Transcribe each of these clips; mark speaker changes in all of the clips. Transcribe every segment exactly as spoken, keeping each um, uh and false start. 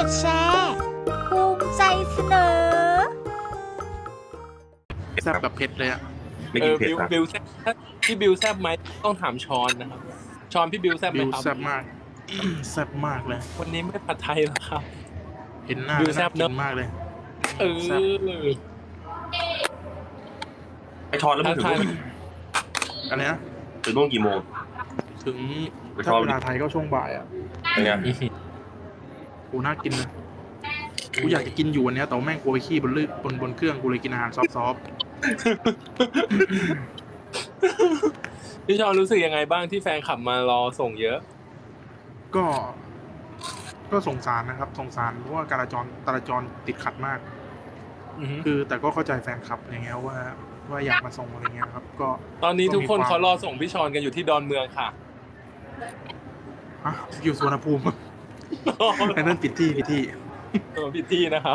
Speaker 1: ดแชร์ภูมิใจเสนอ
Speaker 2: แซ่บแบบเผ็ดเลยอะ
Speaker 3: ไม่
Speaker 4: เออ
Speaker 3: กินเผ็ด
Speaker 4: บิว
Speaker 3: นะ
Speaker 4: บิวแซบพี่บิวแซบไหมต้องถามชอนนะครับชอนพี่บิวแซบไหม
Speaker 2: บิว
Speaker 4: ครับ
Speaker 2: แซ่บมาก แซ่บมากเลย
Speaker 4: วันนี้ไม่ผัดไทยเหรอครับ
Speaker 2: เห็นหน้า
Speaker 4: บิว
Speaker 2: แล้ว
Speaker 4: แซ่
Speaker 2: น่า
Speaker 4: บ
Speaker 2: กิ
Speaker 4: เนอะ
Speaker 2: นมากเลย
Speaker 4: เออ
Speaker 2: แซ่บ
Speaker 3: ไอช้อนแล้วมึงถึง
Speaker 4: ทักทาย
Speaker 3: นู่น
Speaker 2: อะไรนะ
Speaker 3: ถึงนู่นกี่โมง
Speaker 2: ถึง
Speaker 3: ไปช
Speaker 2: ถ้า
Speaker 3: อบ
Speaker 2: เวลาไทยก็ช่วงบ่ายอ่ะ
Speaker 3: เป็นไง
Speaker 2: กูน่ากินนะกูอยากจะกินอยู่วันเนี้ยแต่ว่าแม่งกูไปขี้บนลื่นบนบนเครื่องกูเลยกินอาหารซอฟต์
Speaker 4: พี่ชอนรู้สึกยังไงบ้างที่แฟนขับมารอส่งเยอะ
Speaker 2: ๆก็ ก็สงสารนะครับ สงสารเพราะว่าการจรจราจรติดขัดมาก
Speaker 4: อือฮึ
Speaker 2: คือแต่ก็เข้าใจแฟนคลับอย่างเงี้ยว่า ว่าอยากมาส่งอะไรเงี้ยครับ ก็
Speaker 4: ตอนนี้ทุกคน
Speaker 2: ก็มีความ
Speaker 4: เขารอส่งพี่ชอนกันอยู่ที่ดอนเมืองค่ะ
Speaker 2: ฮะอยู่สุวรรณภูมิไอ้นั่นปิดที่ปิดที่
Speaker 4: เออพี่ที่นะครับ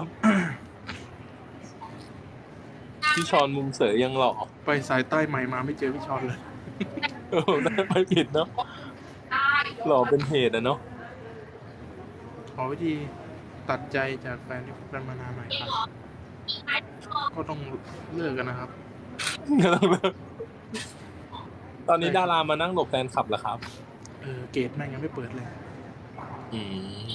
Speaker 4: พี่ชอนมุมเสยยังหล่อ
Speaker 2: ไปสายใต้ใหม่มาไม่เจอพี่ชอนเลย
Speaker 4: เออไม่ผิดเนาะหล่อเป็นเหตุอะเนาะ
Speaker 2: ขอวิธีตัดใจจากแฟนที่คบกันมานานหน่อยครับ ก็ต้องเลิกกันนะครับ
Speaker 4: ตอนนี้ดารามานั่งหลบแฟนคลับเหรอครับ
Speaker 2: เออเกตแม่งยังไม่เปิดเลย
Speaker 4: อืม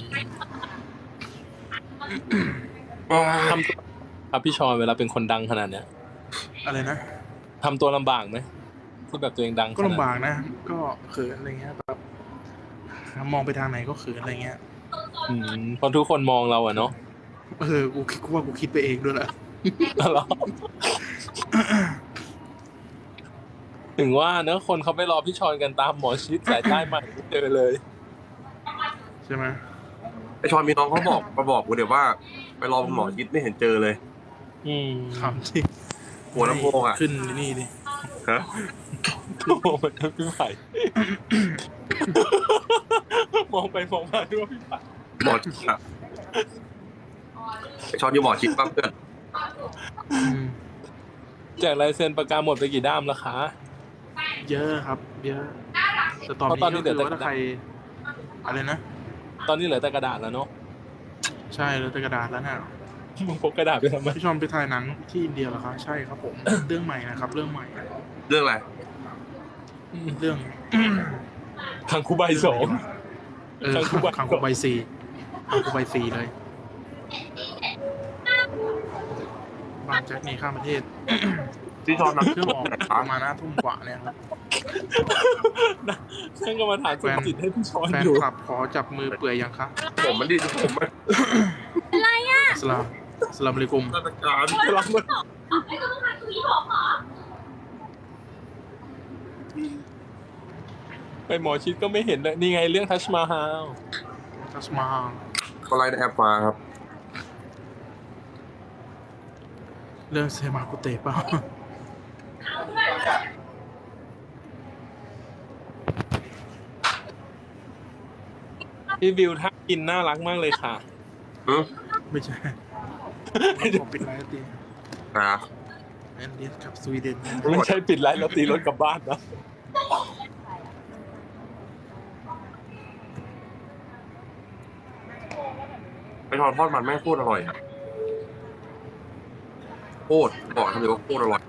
Speaker 4: ทำตัวครับพี่ชอนเวลาเป็นคนดังขนาดเนี้ย
Speaker 2: อะไรนะ
Speaker 4: ทำตัวลำบากไหมที่แบบตัวเองดัง
Speaker 2: ก็ลำบากนะ ก็เขินอะไรเงี้ยแบบมองไปทางไหนก็เขินอะไรเงี้ย
Speaker 4: อืมเพราะทุกคนมองเราอะเนาะ
Speaker 2: เออ กูคิดว่ากูคิดไปเองด้วยแหละ
Speaker 4: เหรอถึงว่าเนอะคนเขาไปรอพี่ชอนกันตามหมอชิดสายใต้ใหม่ไม่เจอเลย
Speaker 2: ใช่ไหม
Speaker 3: ไอช้อนมีน้องเขาบอกมาบอกกูเดี๋ยวว่า ไปรอคุณหมอชิดไม่เห็นเจอเลย
Speaker 4: อืม
Speaker 2: คำที่
Speaker 3: หัวลำโพงอ่ะ
Speaker 2: ขึ้นนี่ดิ
Speaker 3: ฮะ
Speaker 4: โอ้โหมันพี่ไผ่ มองไปมองมาด้วยพี่ไผ่
Speaker 3: หมอชิดอ่ะไอช้อนอยู่หมอชิดปั๊บเพื่อน
Speaker 2: อืม
Speaker 4: แจกลายเซ็นประกาหมดไปกี่ด้ามแล้วคะ
Speaker 2: เยอะครับ เยอะ แต่ตอน
Speaker 4: เพราะตอนนี้
Speaker 2: นี้ก็คือ
Speaker 4: เหลือแต่
Speaker 2: ว่าถ้าใคร อะไรนะ
Speaker 4: ตอนนี้เหลือแต่กระดาษแล้วเนาะ
Speaker 2: ใช่แล้วแต่กระดาษแล้วน่ะ
Speaker 4: มึงพกกระดาษไปทำไม
Speaker 2: พี่ชอนไปถ่ายหนังที่อินเดียเหรอคะใช่ครับผม เรื่องใหม่นะครับ เรื่องใหม่
Speaker 3: เรื่องอะไร
Speaker 2: เรื่อง
Speaker 4: ทางคูใบสอง
Speaker 2: เออ
Speaker 4: คังคูใบ
Speaker 2: คังคูใบซีคังคูใบซีเลยบางแจ็คหนีข้ามประเทศ
Speaker 3: ที่ช้อนนัก
Speaker 2: เครื่องออกประมาณห้าทุ่มกว่าเนี่ยครับ
Speaker 4: ฉันก็มาถามสุขจิตให้พี่ชอน
Speaker 2: แฟน
Speaker 4: อยู่
Speaker 2: คลับขอจับมือเปื่อยยังคะ
Speaker 3: ผมมันดีผมมัน
Speaker 2: สลามสลามอะลัยกุม
Speaker 3: ราชการ
Speaker 4: รับมาไปหมอชิดก็ไม่เห็นเลยนี่ไงเรื่องทัชมาฮาล
Speaker 2: ทัสมา
Speaker 3: เขาไล่ในแอปมาครับ
Speaker 2: เรื่องเซมากุเตะเปล่า
Speaker 4: พี่บิวท่ากินน่ารักมากเลยค่ะ
Speaker 3: อืม
Speaker 2: ไม่ใช่ผมปิดไลน์ตี
Speaker 3: อ่า
Speaker 2: แอนเดียสกับสวีเดน
Speaker 4: ไม่ใช่ปิดไลน์แล้วตีรถกลับบ้านนะ
Speaker 3: ไอช้อนทอดมันแม่งโคตรอร่อยอ่ะโคตรบอกทำเลยว่าโคตรอร่อย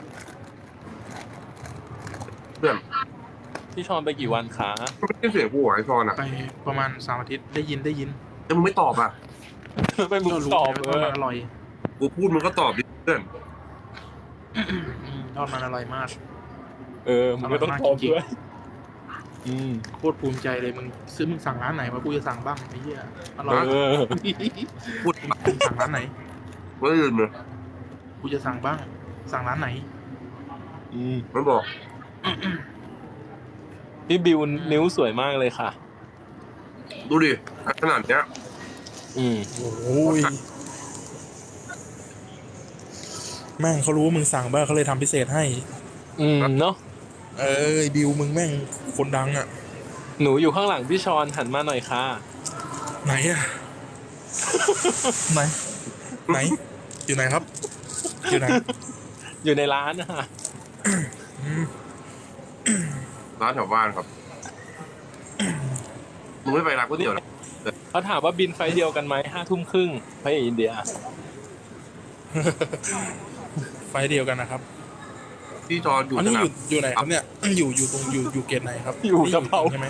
Speaker 3: เพื่อน
Speaker 4: พี่ชอนไปกี่วันคะ
Speaker 3: ไม่ได้เสียงกูเหรอไอช้อนอ่ะ
Speaker 2: ไปประมาณสามอาทิตย์ได้ยินได้ยิน
Speaker 3: แต่มึงไม่ตอบอ่ะ
Speaker 4: ไปมึง
Speaker 2: ก็รู้
Speaker 4: ตอบ
Speaker 2: ไง
Speaker 4: เอ
Speaker 2: ว่าทอด
Speaker 4: อ
Speaker 2: มันอร่อย
Speaker 3: กูพูดมึงก็ตอบดิเพื่อน
Speaker 2: อืมทอดมันอร่อยมาก
Speaker 4: เออมึงไม่ต้องตอบด้วยอืม
Speaker 2: โคตรภูมิใจเลยมึงซื้อมึงสั่งร้านไหนวะกูจะสั่งบ้างไอ้เหี้ยอร่อย
Speaker 4: เออ
Speaker 3: พูด
Speaker 2: มึงสั่งร้านไหน
Speaker 3: ไม่ลืมเลย
Speaker 2: กูจะสั่งบ้าง สั่งร้านไหน
Speaker 4: อืม
Speaker 3: ไม่บอก
Speaker 4: พี่บิวนิ้วสวยมากเลยค่ะ
Speaker 3: ดูดิขนาดเนี้ย
Speaker 4: อืม
Speaker 2: โอ้ยแม่งเขารู้ว่ามึงสั่งบ้างเขาเลยทำพิเศษให้
Speaker 4: อืมเนาะ
Speaker 2: เอ้ยบิวมึงแม่งคนดังอ่ะ
Speaker 4: หนูอยู่ข้างหลังพี่ชอนหันมาหน่อยค่ะ
Speaker 2: ไหนอ่ะ ไหน ไหน อยู่ไหนครับ อยู่ไหน
Speaker 4: อยู่ในร้านนะฮะ
Speaker 3: ร้านแถวบ้านครับมึงไม่ไปร้านก๋วยเตี๋ยวนะ
Speaker 4: เขาถามว่าบินไฟล์เดียวกันไหมห้าทุ่มครึ่งไปอินเดีย
Speaker 2: ไฟล์เดียวกันนะครับ
Speaker 3: พี่จอนอยู่
Speaker 2: อัน
Speaker 3: ส
Speaker 2: นี้
Speaker 3: นา
Speaker 2: อ
Speaker 3: ม
Speaker 2: ยู่อยู่ไหนครับเนี่ย อยู่อยู่ตรงอยู่อยู่เกตไหนครับ
Speaker 4: อยู่กับเขา
Speaker 2: ใช่ไหม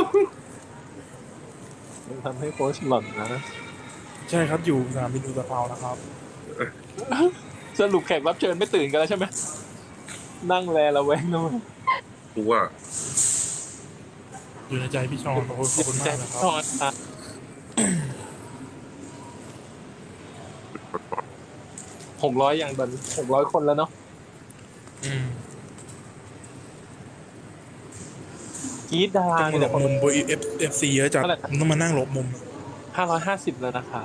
Speaker 4: ทำให้โค้ชหล่อนนะ
Speaker 2: ใช่ครับอยู่สนามบินอุตภาวนะครับ
Speaker 4: สรุปแขกรับเชิญไม่ตื่นกันแล้วใช่ไหมนั่งแลระแวงนะมึง
Speaker 3: กูว่า
Speaker 2: อยู่ในใจพี่ชอนขอบคุณขอบคุณมากนะครับ
Speaker 4: ทอดอ่ะหกร้อยอย่างตอนหกร้อยคนแล้วเนาะ
Speaker 2: อืม
Speaker 4: กรีดดารา
Speaker 2: ต้อง
Speaker 4: เนี่
Speaker 2: มาหล
Speaker 4: ย
Speaker 2: บมุมบเอฟเอฟซีเยอะจัด
Speaker 4: เท่าไหร่
Speaker 2: ผมต้องมานั่งหลบมุม
Speaker 4: ห้าร้อยห้าสิบแล้วนะครับ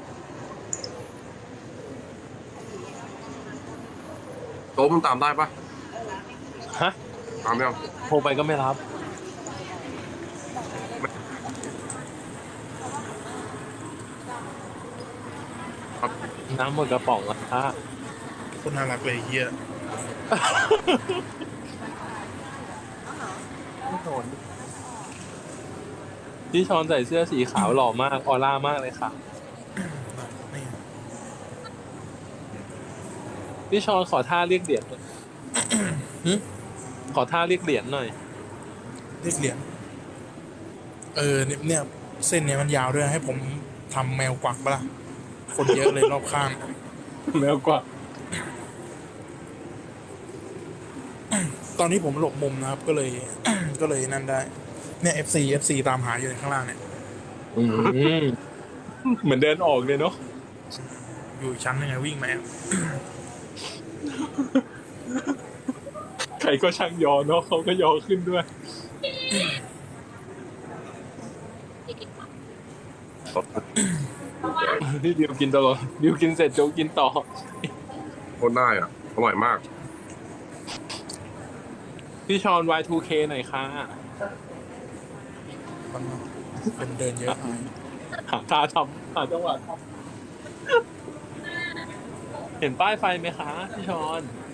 Speaker 3: โต๊ะมึงตามได้ปะ
Speaker 4: ฮะ
Speaker 3: ตามยัง
Speaker 4: โทรไปก็ไม่รับ น้ำหมดกระป๋องแล้วค่ะ
Speaker 2: คนน่ารักเลยเฮีย
Speaker 4: พี่ชอนใส่เสื้อสีขาวหล่อมากออร่ามากเลยค่ะ
Speaker 2: นี่
Speaker 4: พี่ชอนขอท่าเรียกเหรียญหน่อยขอท่าเรียกเหรียญหน่อย
Speaker 2: เรียกเหรียญเออเนี่ยเนี่ยเส้นเนี้ยมันยาวด้วยให้ผมทำแมวกวักปะล่ะคนเยอะเลยรอบข้าง
Speaker 4: แล้วกว่า
Speaker 2: ตอนนี้ผมหลบมุมนะครับ ก็เลย ก็เลยนั่นได้ เนี่ย เอฟ ซี เอฟ ซี ตามหาอยู่ในข้างล่างเนี่ย
Speaker 4: อืมเหมือนเดินออกเลยเนาะ
Speaker 2: อยู่อีกชั้นยังไงวิ่งมาแอบ
Speaker 4: ใครก็ช่างยอเนาะเขาก็ยอขึ้นด้วย ที่ดิวกินตลอดดิวกินเสร็จโจกกินต่อ
Speaker 3: โคตรได้อ่ะ อร่อยมาก
Speaker 4: พี่ชอน วาย ทู เค หน่อยค่ะ
Speaker 2: มันคนเดินเยอะไป
Speaker 4: หาท่าทำหาจังหวะทำเห็นป้ายไฟไหมคะพี่ชอน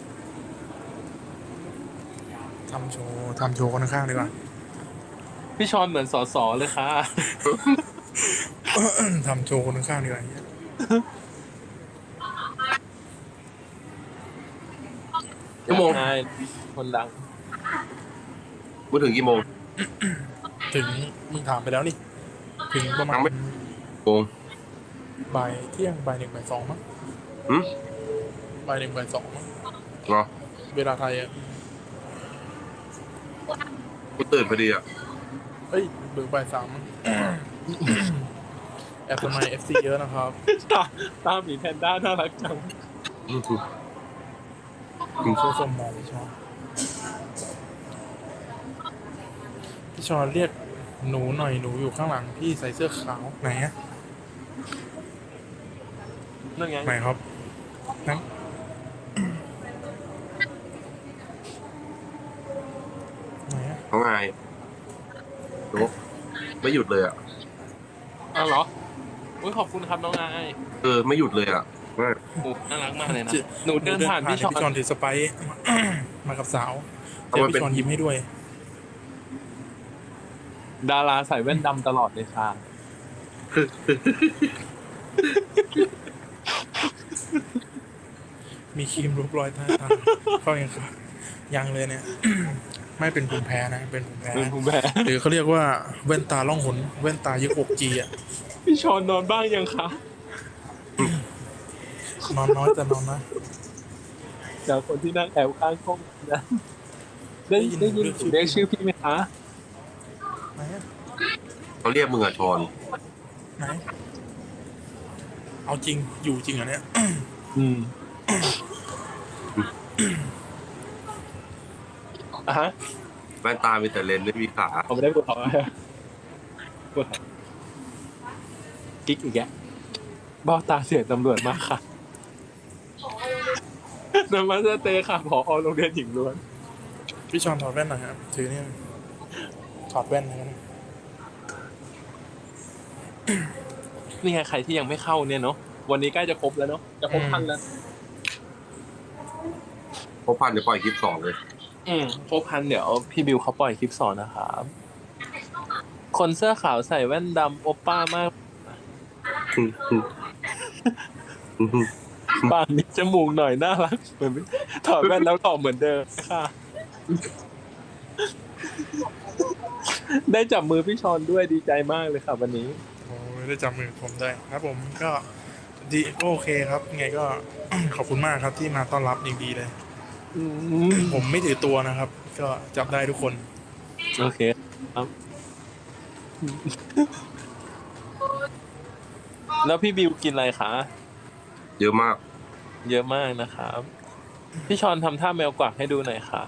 Speaker 2: ทำโชว์ทำโชว์คนข้างๆดีกว่า
Speaker 4: พี่ชอนเหมือนสอสอเลยค่ะ
Speaker 2: ทำโชว์คนข้างๆดีกว่าเหี้ย
Speaker 3: ชั่วโมง
Speaker 4: ใช่คนดัง
Speaker 3: มึงถึงกี่โมง
Speaker 2: ถึงมึงถามไปแล้วนี่ ถึงประมาณ
Speaker 3: ยังไม่ โมง
Speaker 2: บ่ายเที่ยงบ่ายหนึ่งบ่ายสองมั้ง
Speaker 3: หืม
Speaker 2: บ่ายหนึ่งบ่ายสองมั้ง
Speaker 3: เหรอ
Speaker 2: เวลาไทยอ่ะ
Speaker 3: กูตื่นพอดีอ่ะ
Speaker 2: เอ้ยหรือบ่ายสามมั้ง แอบทำไม เอฟ ซี เยอะนะครับ
Speaker 4: ตาตาหมีแพนด้าน่ารักจัง
Speaker 2: โชว์สมมองพี่ชอนพี่ชอนเรียกหนูหน่อยหนูอยู่ข้างหลังพี่ใส่เสื้อขาวไหนอะ
Speaker 4: นั่นไง
Speaker 2: ไหนครับไหนไหนอะ
Speaker 3: เขาไงโต๊ะไม่หยุดเลยอ่ะ
Speaker 4: อ้าวเหรออุ้ยขอบคุณครับน้องนาย
Speaker 3: เออ ไม่หยุดเลยอ่ะไม่
Speaker 4: โอ้น่ารักมากเลยนะ หนูเดินผ่านพี่ชอน
Speaker 2: พี่ชอนถือสไปซ์ มากับสาวเจอพี่ชอนยิ้มให้ด้วย
Speaker 4: ดาราใส่แว่นดำตลอดเลยค่ะ
Speaker 2: มีครีมรูปรอยใต้ตาเข้ายังครับยังเลยเนี่ย ไม่เป็นภูมิแพ้นะเป็นภูมิแพ้
Speaker 4: เป็นภูมิแพ้
Speaker 2: หรือเขาเรียกว่าแว่นตาล่องหนแว่นตายึกอกจีอ่ะ
Speaker 4: พี่ชอนนอนบ้างยังคะ
Speaker 2: นอนน้อยแต่นอนนะ
Speaker 4: จากคนที่นั่งแอบข้างห้องนะได้ได้ยินเรียกชื่อพี่ไหมคะ
Speaker 2: ไหนอะ
Speaker 3: เขาเรียกมึงอ่ะชอน
Speaker 2: ไหนเอาจริงอยู่จริงเหรอเนี่ย
Speaker 4: อืมอ่ะฮะ
Speaker 3: แว่นตามีแต่เลนส์ไม่มีขา
Speaker 4: ผมไม่ได้ปวดท้องอะปวดท้องกิ๊กอีกแกบ้าตาเสียตำรวจมากค่ะนำมาสเตย์ค่ะผอโรงเรียนหญิงล้วน
Speaker 2: พี่ชอนถอดแว่นหน่อยครับถือเนี่ยถอดแว่นนะครับ
Speaker 4: นี่ไงใครที่ยังไม่เข้าเนี่ยเนาะวันนี้ใกล้จะครบแล้วเนาะจะครบพันแล้ว
Speaker 3: เพราะพันเดี๋ยวปล่อยคลิปสองเลย
Speaker 4: อืมครบพันเดี๋ยวพี่บิวเขาปล่อยคลิปสอนนะครับคนเสื้อขาวใส่แว่นดำโอป้ามากปากมีจมูกหน่อยน่ารักเหมือนถอดแว่นแล้วหล่อเหมือนเดิมค่ะ ได้จับมือพี่ชอนด้วยดีใจมากเลยค่ะวันนี้
Speaker 2: โอ้ยได้จับมือผมได้ครับผมก็ดีก็โอเคครับไงก็ ขอบคุณมากครับที่มาต้อนรับอย่างดีเลย
Speaker 4: อืม
Speaker 2: ผมไม่ถือตัวนะครับ ก็จับได้ทุกคน
Speaker 4: โอเคครับ แล้วพี่บิวกินอะไรคะ
Speaker 3: เยอะมาก
Speaker 4: เยอะมากนะครับ พี่ชอนทำท่าแมวกวักให้ดูหน่อยค่ะ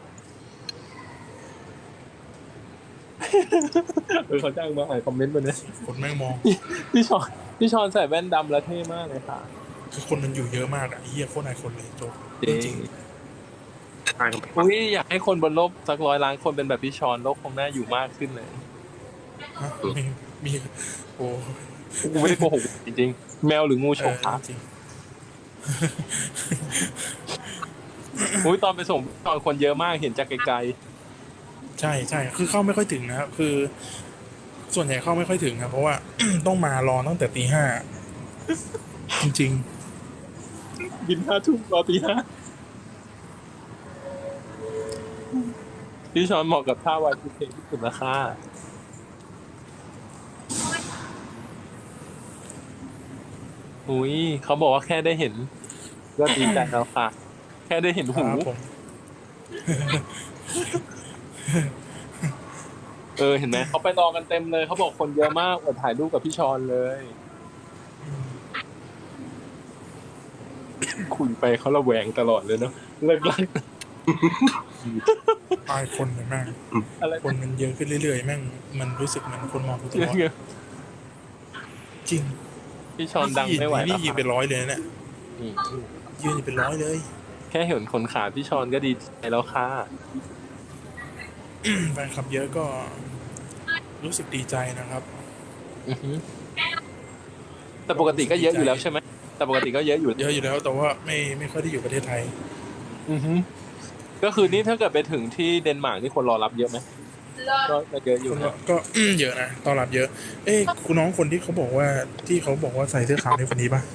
Speaker 4: เออเขาจ้างมาอ่านคอมเมนต์มาเนี่ย
Speaker 2: คนแม่งมอง
Speaker 4: พี่ชอนพี่ชอนใส่แว่นดำแล้วเท่มากเลยค่ะ
Speaker 2: คือคนมันอยู่เยอะมากอะเฮียโคตรนายคนเลยโจ๊ก
Speaker 4: จริง
Speaker 2: จริง
Speaker 3: ใช่ครับ
Speaker 4: อุ้ยอยากให้คนบนโลกสักร้อยล้านคนเป็นแบบพี่ชอนโลกคงน่าอยู่มากขึ้นเลย
Speaker 2: ฮะมีมีโอ้
Speaker 4: กูไม่ได้โกหกจริงๆ แมวหรืองูฉ
Speaker 2: เอก อ
Speaker 4: คะ
Speaker 2: จริง
Speaker 4: อุ้ยตอนไปส่งตอนคนเยอะมากเห็นจากไกล
Speaker 2: ใช่ใช่คือเข้าไม่ค่อยถึงนะครับคือ ส่วนใหญ่เข้าไม่ค่อยถึงครับเพราะ ว่า ต้องมารอตั้งแต่ตีห้าจริง
Speaker 4: ๆบินห้าทุ่มรอตีห้าพี่ชอนเหมาะกับท่าวายพีเคที่สุดราคาอุ้ยเขาบอกว่าแค่ได้เห็นก็ดีใจแล้วค่ะ แค่ได้เห็น
Speaker 2: ๆค
Speaker 4: หู
Speaker 2: รับผม
Speaker 4: เออเห็นไหมเขาไปรอกันเต็มเลยเขาบอกคนเยอะมากอดถ่ายรูปกับพี่ชอนเลย คุยไปเขาระแวงตลอดเลยเนาะเลิกลัก
Speaker 2: ตายคนเลยแม่ง
Speaker 4: อะไร
Speaker 2: คนมันเยอะขึ้นเรื่อยๆแม่งมันรู้สึกเหมือนคนมองกูตลอดจริง
Speaker 4: พี่ชอนดังไม่ไหว
Speaker 2: นี่
Speaker 4: แล้ว
Speaker 2: ยืน
Speaker 4: ค่ะ
Speaker 2: เป็นร้อยเลยนะเนี่ย
Speaker 4: อืม
Speaker 2: ยืนอยู่เป็นร้อยเลย
Speaker 4: แค่เห็นคนขาพี่ชอนก็ดีใจแล้วค่ะ
Speaker 2: แฟนคลับเยอะก็รู้สึกดีใจนะครับ
Speaker 4: อือฮึแต่ปกติก็เยอะอยู่แล้วใช่ไหมแต่ปกติก็เยอะอยู่
Speaker 2: เยอะอยู่แล้วแต่ว่าไม่ไม่ค่อยได้อยู่ประเทศไทย
Speaker 4: อือฮึก็คือนี่ถ้าเกิดไปถึงที่เดนมาร์กนี่คนรอรับเยอะไหมก็ก็เยอะอยู่
Speaker 2: คน
Speaker 4: นะ
Speaker 2: ก็ เยอะนะต้อนรับเยอะ เอ้คุณน้องคนที่เขาบอกว่าที่เขาบอกว่าใส่เสื้อขาวในคนนี้ปะ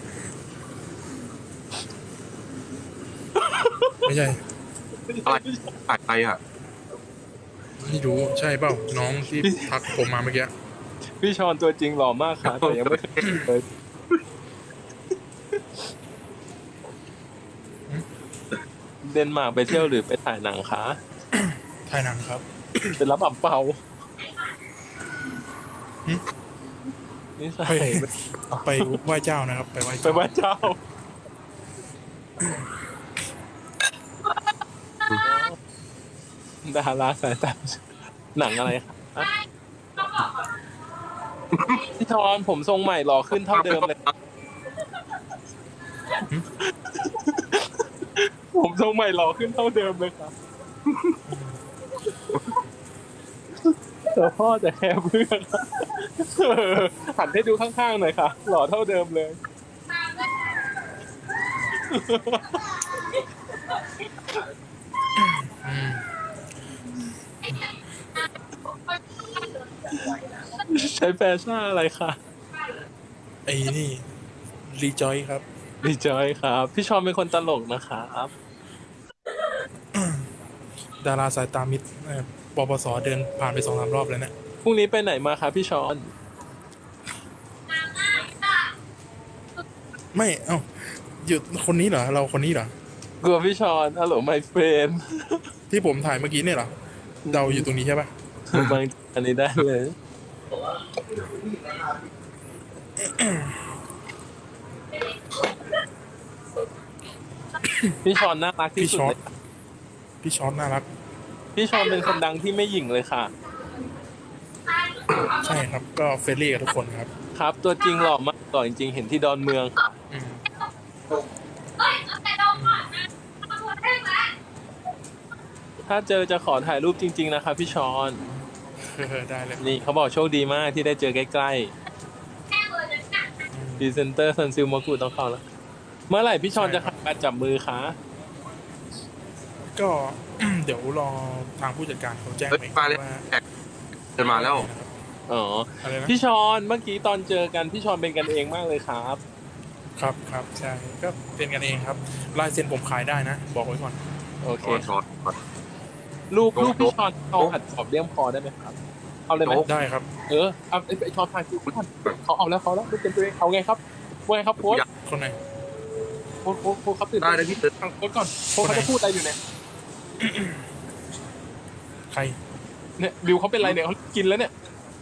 Speaker 2: ไม่ใช่
Speaker 3: อะไรถ่ายไปอ่ะ
Speaker 2: ไม่รู้ใช่เปล่าน้องที่ทักผมมาเมื่อกี้
Speaker 4: พี่ชอนตัวจริงหล่อมากค่ะแต่ยังไม่เคยเห็นเลยเดนมาร์กไปเที่ยวหรือไปถ่ายหนังคะ
Speaker 2: ถ่ายหนังครับ
Speaker 4: เป็นรับอับเปา
Speaker 2: หึ
Speaker 4: นี่ใส่
Speaker 2: ไปไปไหว้เจ้านะครับ ไปไหว้
Speaker 4: ไป
Speaker 2: เจ้า
Speaker 4: ไหว้เจ้า ดาราสายตาหนังอะไรคะพี่ชอนผมทรงใหม่หล่อขึ้นเท่าเดิมเลย ผมทรงใหม่หล่อขึ้นเท่าเดิมเลยครับแต่พ่อจะแคร์เพื่อนเออหันให้ดูข้างๆหน่อยค่ะ หล่อเท่าเดิมเลย
Speaker 2: อืม
Speaker 4: ใช้แฟชั่นอะไรคะ
Speaker 2: ไอ้นี่รีจอยครับ
Speaker 4: ดีใจครับ พี่ชอนเป็นคนตลกนะครับ
Speaker 2: ดาราสายตามิดเอ่อปปสเดินผ่านไปสองสามรอบแล้วเนี่ย
Speaker 4: พรุ่งนี้ไปไหนมาคะพี่ชอน
Speaker 2: ไม่เอ้าอยู่คนนี้เหรอเราคนนี้เหรอ
Speaker 4: กลัวพี่ชอนฮัลโหลไมเฟรน
Speaker 2: ที่ผมถ่ายเมื่อกี้เนี่ยเหรอเราอยู่ตรงนี้ใช่ปะ
Speaker 4: บางอันนี้ได้เลย พี่ชอนน่ารักที่
Speaker 2: พี่
Speaker 4: สุด
Speaker 2: ช็อ
Speaker 4: เล
Speaker 2: ต
Speaker 4: ย
Speaker 2: พี่ช็อตน่ารัก
Speaker 4: พี่ชอนเป็นคนดังที่ไม่หยิ่งเลยค่ะ
Speaker 2: ใช่ครับ ก็เฟรนลี่กับทุกคนครับ
Speaker 4: ครับ ตัวจริงหล่อมากหล่อจริงๆเห็นที่ดอนเมือง
Speaker 2: อืม
Speaker 4: ถ้าเจอจะขอถ่ายรูปจริง ๆ นะคะพี่ชอน
Speaker 2: เออได้เลย
Speaker 4: นี่เขาบอกโชคดีมากที่ได้เจอใกล้ๆพรีเซนเตอร์ซันซิลมากูต้องเข้าแล้ว เมื่อไหร่พี่ชอนจะขับการจับมือคะ
Speaker 2: ก็ เดี๋ยวรอทางผู้จัดการเขาแจ้ง
Speaker 3: เฮ้ย
Speaker 2: ไป
Speaker 3: มาเลย
Speaker 2: ว่า
Speaker 3: แอกเดินมาแล้ว
Speaker 4: อ๋อ
Speaker 2: อะไรนะ
Speaker 4: พี่ชอนเมื่อกี้ตอนเจอกันพี่ชอนเป็นกันเองมากเลยครับ
Speaker 2: ครับครับใช่ก็เป็นกันเองครับลายเซ็นผมขายได้นะ บอกไว้ก่อน
Speaker 4: โอเค
Speaker 3: ช้อนช้อนช้อน
Speaker 4: รูป
Speaker 3: โจ๊ก
Speaker 4: รูปพี่ชอนเอา
Speaker 3: โจ๊ก
Speaker 4: อัดขอบเลี่ยมคอได้ไหมครับ เอาเลยไหม
Speaker 3: โจ๊ก
Speaker 2: ได้ครับ
Speaker 4: เออเอาไอ้ไอ้ชอนพาคิวก่อนเขาเอาแล้วเขาแล้วไม่เป็นตัวเองเอาไงครับว่าไงครับโค้ช
Speaker 2: คนไหน
Speaker 4: โค้ชโค้ชโค้ชครับตื่น
Speaker 3: ได้นะพี่ตึ๊ด
Speaker 4: ฟังโค้ชก่อนโค้ชเขาจะพูดอะไรอยู่เนี่ย
Speaker 2: ใคร
Speaker 4: เนี่ยบิวเขาเป็นไรเนี่ยเขากินแล้วเนี่ย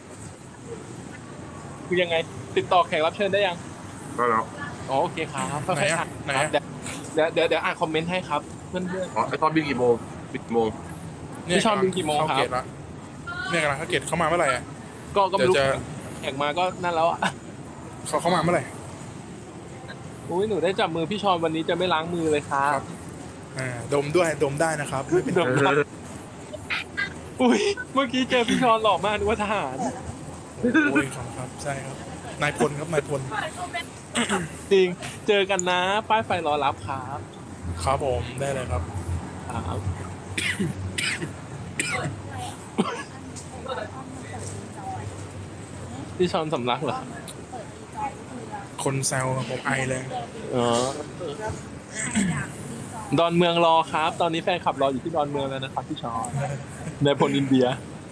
Speaker 4: คือยังไงติดต่อแขกรับเชิญได้ยัง
Speaker 3: ได้แล้ว
Speaker 4: อ๋อโอเคครับค่
Speaker 2: ไหน
Speaker 4: อยๆ
Speaker 2: อะ
Speaker 4: อ่าน
Speaker 2: ไหน
Speaker 4: ครับ
Speaker 2: อะ
Speaker 4: เดี๋ยวเดี๋ยวเดี๋ยวอ่านคอมเมนต์ให้ครับเพื่อน
Speaker 3: อ๋อไอตอนบินกี่โมงบินกี่โมง
Speaker 2: เนี่ย
Speaker 4: พี่ชอนบินกี่โมงครับ
Speaker 2: เข้าเกตละเนี่ยกำลังเข้าเกตเข้ามาเมื่อไหร่อะ
Speaker 4: ๆก็ก็ไม่รู้
Speaker 2: เดี๋ยวจะ
Speaker 4: แขกมาก็นั่นแล้วอ่ะ
Speaker 2: เขาเข้ามาเมื่อไหร่
Speaker 4: อุ้ยหนูได้จับมือพี่ชอนวันนี้จะไม่ล้างมือเลยครับ
Speaker 2: อ่าดมด้วยดมได้นะครับไม่เป็น
Speaker 4: ดม ครับ อุ้ยเมื่อกี้เจอพี่ชอนหล่อมากนึกว่าทหาร
Speaker 2: โอ้ยครับครับใช่ครับนายพลครับนายพล
Speaker 4: จริงเจอกันนะป้ายไฟรอรับครับ
Speaker 2: ครับผมได้เลยครับ
Speaker 4: ครับพี่ชอนสำลักเหรอ
Speaker 2: คนแซวผมไอเลย
Speaker 4: อ๋อดอนเมืองรอครับ ตอนนี้แฟนคลับรออยู่ที่ดอนเมืองแล้วนะครับพี่ชอนในพลอินเดีย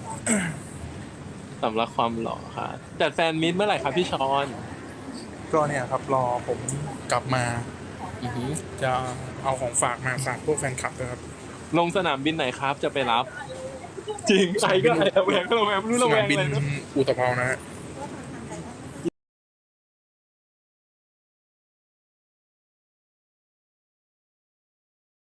Speaker 4: สำลักความหล่อครับจัดแฟนมิตรเมื่อไหร่ครับพี่ชอน
Speaker 2: ก็เนี่ยครับรอผมกลับมา
Speaker 4: อือหือ
Speaker 2: จะเอาของฝากมาฝากพวกแฟนคลับนะครับ
Speaker 4: ลงสนามบินไหนครับ จะไปรับ จริงไอ้ก็ไอ้ระแวงก็ระแวงไม่รู้
Speaker 2: ส
Speaker 4: ระแวน
Speaker 2: าง มบิน
Speaker 4: อะไรนะ
Speaker 2: อุตภเปานะฮะ